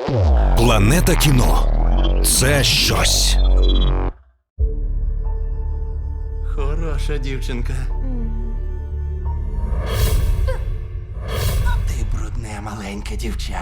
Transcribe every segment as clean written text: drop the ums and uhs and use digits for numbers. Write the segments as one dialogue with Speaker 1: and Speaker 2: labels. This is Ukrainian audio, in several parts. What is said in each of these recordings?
Speaker 1: Планета кіно – це щось.
Speaker 2: Хороша дівчинка. Ти брудне маленьке дівча.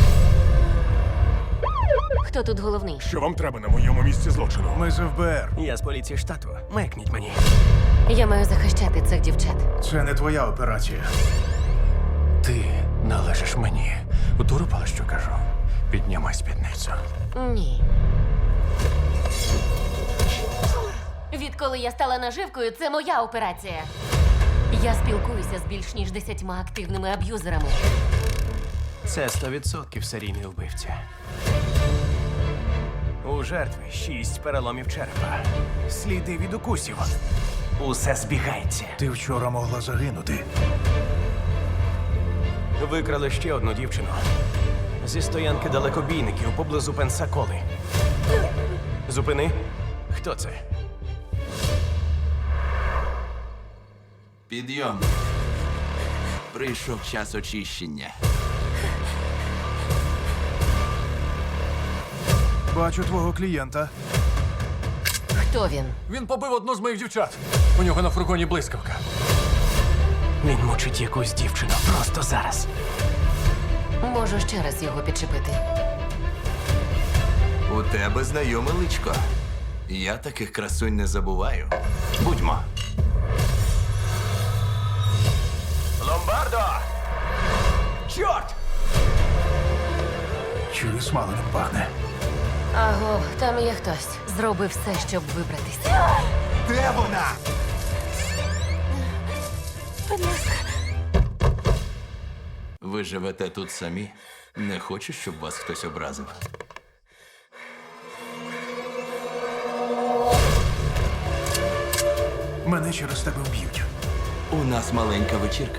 Speaker 3: Хто тут головний?
Speaker 4: Що вам треба на моєму місці злочину?
Speaker 5: Ми з ФБР.
Speaker 2: Я з поліції штату. Мекніть мені.
Speaker 3: Я маю захищати цих дівчат.
Speaker 5: Це не твоя операція.
Speaker 2: Ти належиш мені. Вдурупала, що кажу. Піднімай спідницю.
Speaker 3: Ні. Відколи я стала наживкою, це моя операція. Я спілкуюся з більш ніж 10 активними аб'юзерами.
Speaker 2: Це 100% серійний вбивця. У жертви 6 переломів черепа. Сліди від укусів. Усе збігається.
Speaker 5: Ти вчора могла загинути.
Speaker 2: Викрали ще одну дівчину. Зі стоянки далекобійників поблизу Пенсаколи. Зупини. Хто це?
Speaker 6: Підйом. Прийшов час очищення.
Speaker 5: Бачу твого клієнта.
Speaker 3: Хто він?
Speaker 7: Він побив одну з моїх дівчат. У нього на фургоні блискавка.
Speaker 2: Він мучить якусь дівчину просто зараз.
Speaker 3: Можу ще раз його підчепити.
Speaker 6: У тебе знайоме личко. Я таких красунь не забуваю. Будьмо.
Speaker 2: Ломбардо! Чорт!
Speaker 5: Чую, смаленим пахне.
Speaker 3: Аго, там є хтось. Зроби все, щоб вибратися.
Speaker 6: Де вона? Ви живете тут самі? Не хочу, щоб вас хтось образив.
Speaker 5: Мене через тебе вб'ють.
Speaker 6: У нас маленька вечірка.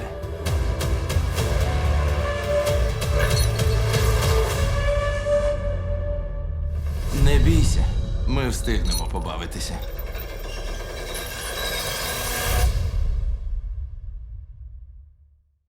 Speaker 6: Не бійся, ми встигнемо побавитися.